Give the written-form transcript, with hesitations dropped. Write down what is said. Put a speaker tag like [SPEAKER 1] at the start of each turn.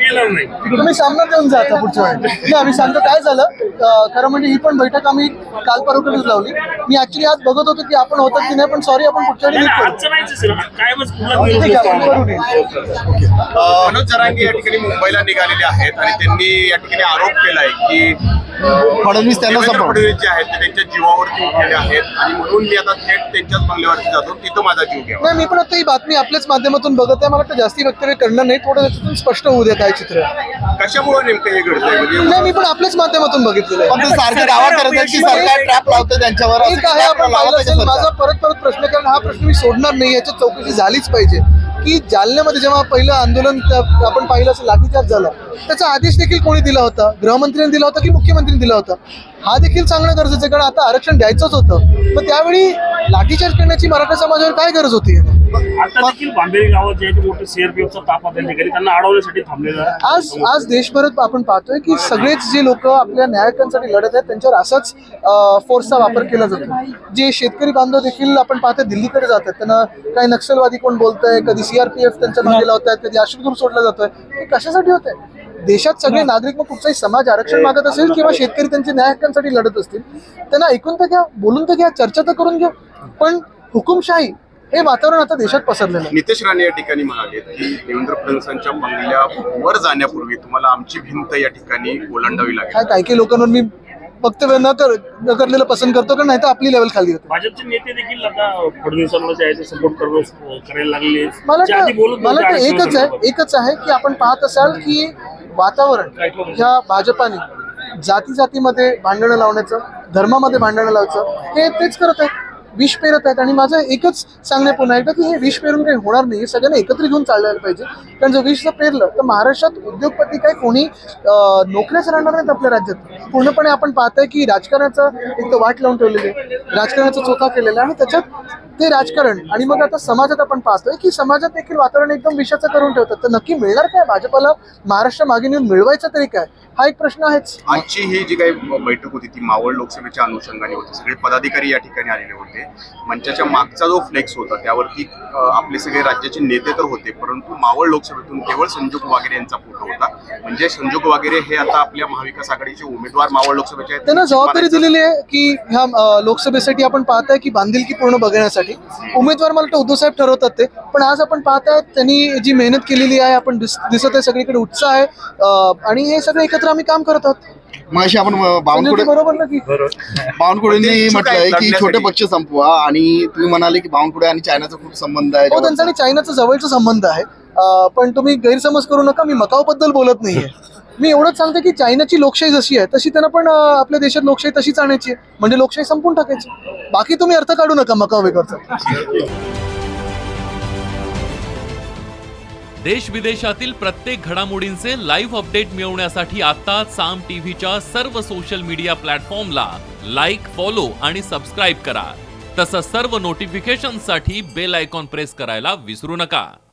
[SPEAKER 1] गेलं नाही.
[SPEAKER 2] तुम्ही सामना देऊन जा आता पुढच्या वेळी. नाही, आम्ही सांगतो काय झालं खरं म्हणजे ही पण बैठक आम्ही काल परवाच लावली. मी ऍक्च्युली आज बघत होतो की आपण होतात की नाही, पण सॉरी आपण पुढच्या वेळी नीट करू.
[SPEAKER 1] आजचं नाहीच असेल, कायमच
[SPEAKER 2] ठीक आहे, आपण करू नये.
[SPEAKER 3] मनोज जरांगे या ठिकाणी मुंबईला निघालेले आहेत आणि त्यांनी या ठिकाणी आरोप केलाय की
[SPEAKER 4] फडणवीस त्यांना
[SPEAKER 3] देवेंद्र
[SPEAKER 4] सपोर्ट
[SPEAKER 3] फडणवीस जे आहेत ते त्यांच्या जीवावरती उठलेले आहेत आणि म्हणून मी आता थेट त्यांच्याच बंगल्यावरती जातो, तिथं माझा जीव घ्यावा.
[SPEAKER 2] नाही, मी पण आता ही बातमी आपल्याच माध्यमातून बघत आहे. मला वाटतं जास्ती वक्तव्य करणं नाही, थोडं त्याच्यातून स्पष्ट होऊ द्या काय चित्र आहे.
[SPEAKER 3] कशामुळे नेमकं हे घडतंय म्हणजे
[SPEAKER 2] नाही, मी पण आपल्याच माध्यमातून बघितलेलं
[SPEAKER 4] पण
[SPEAKER 2] आहे.
[SPEAKER 4] ते सारखे दावा करत आहेत की सरकार ट्रॅप लावतं त्यांच्यावर. असं
[SPEAKER 2] एक आहे,
[SPEAKER 4] trap
[SPEAKER 2] आपण
[SPEAKER 4] लावत
[SPEAKER 2] पाहिलं
[SPEAKER 4] आहे का
[SPEAKER 2] असेल
[SPEAKER 4] सरकार?
[SPEAKER 2] माझा परत प्रश्न, कारण हा प्रश्न मी सोडणार नाही, याच्यात चौकशी झालीच पाहिजे की जालन्यामध्ये जेव्हा पहिलं आंदोलन आपण पाहिलं असं लाठीचार्ज झाला, त्याचा आदेश देखील कोणी दिला होता? गृहमंत्र्यांनी दिला होता की मुख्यमंत्र्यांनी दिला होता? हा देखील सांगणं गरजेचं आहे, कारण आता आरक्षण द्यायचंच होतं. मग त्यावेळी लाठीचार्ज करण्याची मराठा समाजावर काय गरज होती?
[SPEAKER 1] आता देखील बांबेरी गावात जे आहे ते मोठे सीआरपीएफचा ताफा त्यांनी केली, त्यांना अडवण्यासाठी थांबलेला आहे.
[SPEAKER 2] आज देशभरात आपण पाहतोय की सगळेच जे लोक आपल्या न्यायकांसाठी लढत आहेत त्यांच्यावर असाच फोर्सचा वापर केला जातो. जे शेतकरी बांधव देखील आपण पाहतोय दिल्लीकडे जातात, त्यांना काही नक्षलवादी कोण बोलतंय, कधी सीआरपीएफ त्यांच्या मागे लावतात, कधी अश्रुधूर सोडला जातोय. हे कशासाठी होतंय? देशात सगळे नागरिक, मग कुठचाही समाज आरक्षण मागत असेल किंवा शेतकरी त्यांच्या न्याय हक्कांसाठी लढत असतील, त्यांना ऐकून तर घ्या, बोलून तर घ्या, चर्चा तर करून घ्या. पण हुकुमशाही हे वातावरण आता देशात पसरलेलं आहे.
[SPEAKER 3] नितेश राणे या ठिकाणी म्हणाले की देवेंद्र फडणवीसांच्या बंगल्यावर जाण्यापूर्वी तुम्हाला आमची भिंत या ठिकाणी ओलांडावी लागेल.
[SPEAKER 2] काही काही लोकांवर मी वक्तव्य न करलेलं पसंत करतो, कारण नाही तर आपली लेवल खाली होते.
[SPEAKER 1] भाजपचे नेते देखील आता फडणवीसांना जे आहे ते सपोर्ट करायला लागले.
[SPEAKER 2] मला वाटतं एकच आहे की आपण पाहत असाल की वातावरण ह्या भाजपाने जातीमध्ये भांडणं लावण्याचं, धर्मामध्ये भांडणं लावायचं हे तेच करत आहेत, विष पेरत आहेत. आणि माझं एकच सांगणे पुन्हा एकदा की हे विष पेरून काही होणार नाही, हे सगळ्यांना एकत्र घेऊन चालवायला पाहिजे. कारण जर विष जर पेरलं तर महाराष्ट्रात उद्योगपती काय कोणी नोकऱ्याच राहणार नाहीत आपल्या राज्यात. पूर्णपणे आपण पाहतोय की राजकारणाचं एक तर वाट लावून ठेवलेली आहे, राजकारणाचा चोथा केलेला आहे, आणि त्याच्यात ते राजकारण आणि मग आता समाजात आपण पाहतोय की समाजात देखील वातावरण एकदम विषाचं करून ठेवतात. तर नक्की मिळणार काय भाजपाला? महाराष्ट्र मागे नेऊन मिळवायचा तरी काय, हा एक प्रश्न आहेच.
[SPEAKER 3] आजची ही जी काही बैठक होती ती मावळ लोकसभेच्या अनुषंगाने होती. सगळे पदाधिकारी या ठिकाणी आलेले होते. मंचाच्या मागचा जो फ्लेक्स होता त्यावरती आपले सगळे राज्याचे नेते तर होते, परंतु मावळ लोकसभेतून केवळ संजोग वागेरे यांचा फोटो होता. म्हणजे संजोग वागेरे हे आता आपल्या महाविकास आघाडीचे उमेदवार मावळ लोकसभेचे आहेत.
[SPEAKER 2] त्यांना जबाबदारी दिलेली आहे की ह्या लोकसभेसाठी आपण पाहताय की बांधिलकी पूर्ण बघण्यासाठी उमेदवार मला वाटतं उद्धव साहेब ठरवतात ते. पण आज आपण पाहताय त्यांनी जी मेहनत केलेली आहे, आपण दिसत आहे सगळीकडे उत्साह आहे, आणि हे सगळं एकत्र आम्ही काम करत आहोत.
[SPEAKER 4] मगाशी आपण बावनकुळे
[SPEAKER 2] बरोबर ना की
[SPEAKER 4] बावनकुळेंनी म्हटलंय की छोटे पक्ष संपवा, आणि तुम्ही म्हणाले की बावनकुळे आणि चायनाचा खूप संबंध आहे.
[SPEAKER 2] हो, त्यांचा आणि चायनाचा जवळचा संबंध आहे. पण तुम्ही गैरसमज करू नका, मी मकावबद्दल बोलत नाहीये. मी एवढंच सांगते की चायनाची लोकशाही जशी आहे तशी त्यांना पण आपल्या देशात लोकशाही तशीच आणायची आहे, म्हणजे लोकशाही संपून टाकायची. बाकी तुम्ही अर्थ काढू नका मकाव वेगळचा.
[SPEAKER 5] देश विदेशातील प्रत्येक घडामोडींचे लाईव्ह अपडेट मिळवण्यासाठी आता साम टीव्हीच्या सर्व सोशल मीडिया प्लॅटफॉर्मला लाईक, फॉलो आणि सबस्क्राईब करा. तसंच सर्व नोटिफिकेशनसाठी बेल आयकॉन प्रेस करायला विसरू नका.